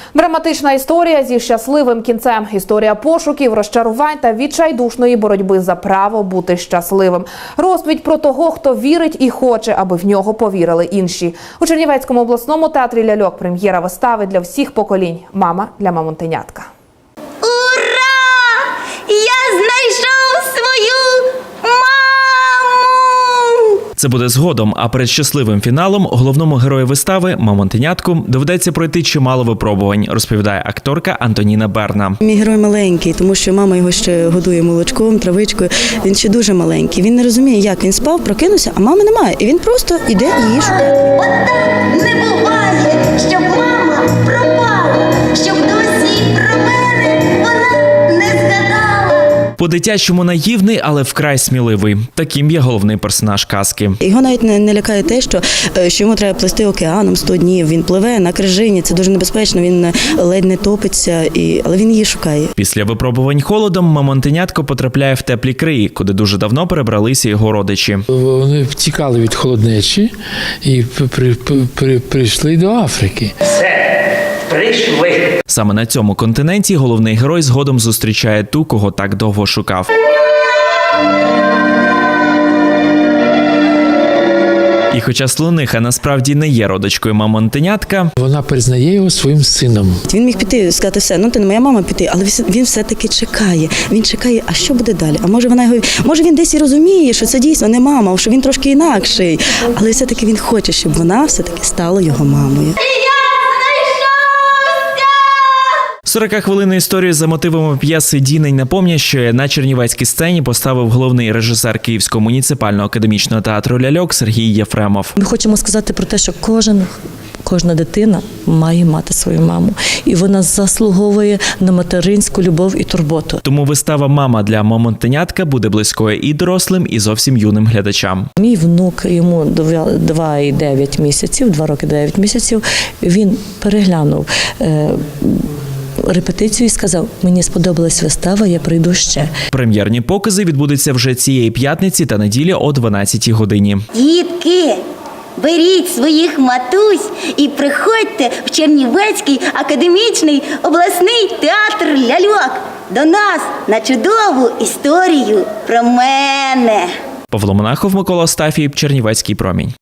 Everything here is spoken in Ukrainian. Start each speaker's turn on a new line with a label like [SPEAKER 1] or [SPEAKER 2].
[SPEAKER 1] Драматична історія зі щасливим кінцем. Історія пошуків, розчарувань та відчайдушної боротьби за право бути щасливим. Розповідь про того, хто вірить і хоче, аби в нього повірили інші. У Чернівецькому обласному театрі ляльок прем'єра вистави для всіх поколінь «Мама для мамонтенятка».
[SPEAKER 2] Ура! Я знайшов свою маму!
[SPEAKER 3] Це буде згодом, а перед щасливим фіналом головному герою вистави мамонтенятку доведеться пройти чимало випробувань, розповідає акторка Антоніна Берна.
[SPEAKER 4] Мій герой маленький, тому що мама його ще годує молочком, травичкою. Він ще дуже маленький. Він не розуміє, як він спав, прокинувся, а мами немає. І він просто йде її шукати.
[SPEAKER 2] Отак не буває, щоб мама пропала, щоб досі про мене вона не згадала.
[SPEAKER 3] По-дитячому наївний, але вкрай сміливий. Таким є головний персонаж казки.
[SPEAKER 4] Його навіть не лякає те, що йому треба плисти океаном 100 днів. Він пливе на крижині, це дуже небезпечно, він ледь не топиться, але він її шукає.
[SPEAKER 3] Після випробувань холодом мамонтенятко потрапляє в теплі краї, куди дуже давно перебралися його родичі.
[SPEAKER 5] Вони втікали від холоднечі і прийшли до Африки.
[SPEAKER 3] Прийшли. Саме на цьому континенті головний герой згодом зустрічає ту, кого так довго шукав. І хоча слониха насправді не є родичкою мамонтенятка,
[SPEAKER 5] Вона признає його своїм сином.
[SPEAKER 4] Він міг піти, сказати все, ну ти не моя мама піти, але він все-таки чекає. Він чекає, а що буде далі? А може він десь і розуміє, що це дійсно не мама, що він трошки інакший, але все-таки він хоче, щоб вона все-таки стала його мамою.
[SPEAKER 3] 40-хвилинну історію за мотивами п'єси «Дінень напомнящої» на чернівецькій сцені поставив головний режисер Київського муніципального академічного театру ляльок Сергій Єфремов.
[SPEAKER 6] Ми хочемо сказати про те, що кожна дитина має мати свою маму. І вона заслуговує на материнську любов і турботу.
[SPEAKER 3] Тому вистава «Мама для мамонтенятка» буде близькою і дорослим, і зовсім юним глядачам.
[SPEAKER 6] Мій внук, йому 2 роки 9 місяців, він переглянув репетицію і сказав, мені сподобалась вистава, я прийду ще.
[SPEAKER 3] Прем'єрні покази відбудуться вже цієї п'ятниці та неділі о 12-й годині.
[SPEAKER 2] Дітки, беріть своїх матусь і приходьте в Чернівецький академічний обласний театр ляльок до нас на чудову історію про мене.
[SPEAKER 3] Павло Монахов, Микола Остафій, Чернівецький промінь.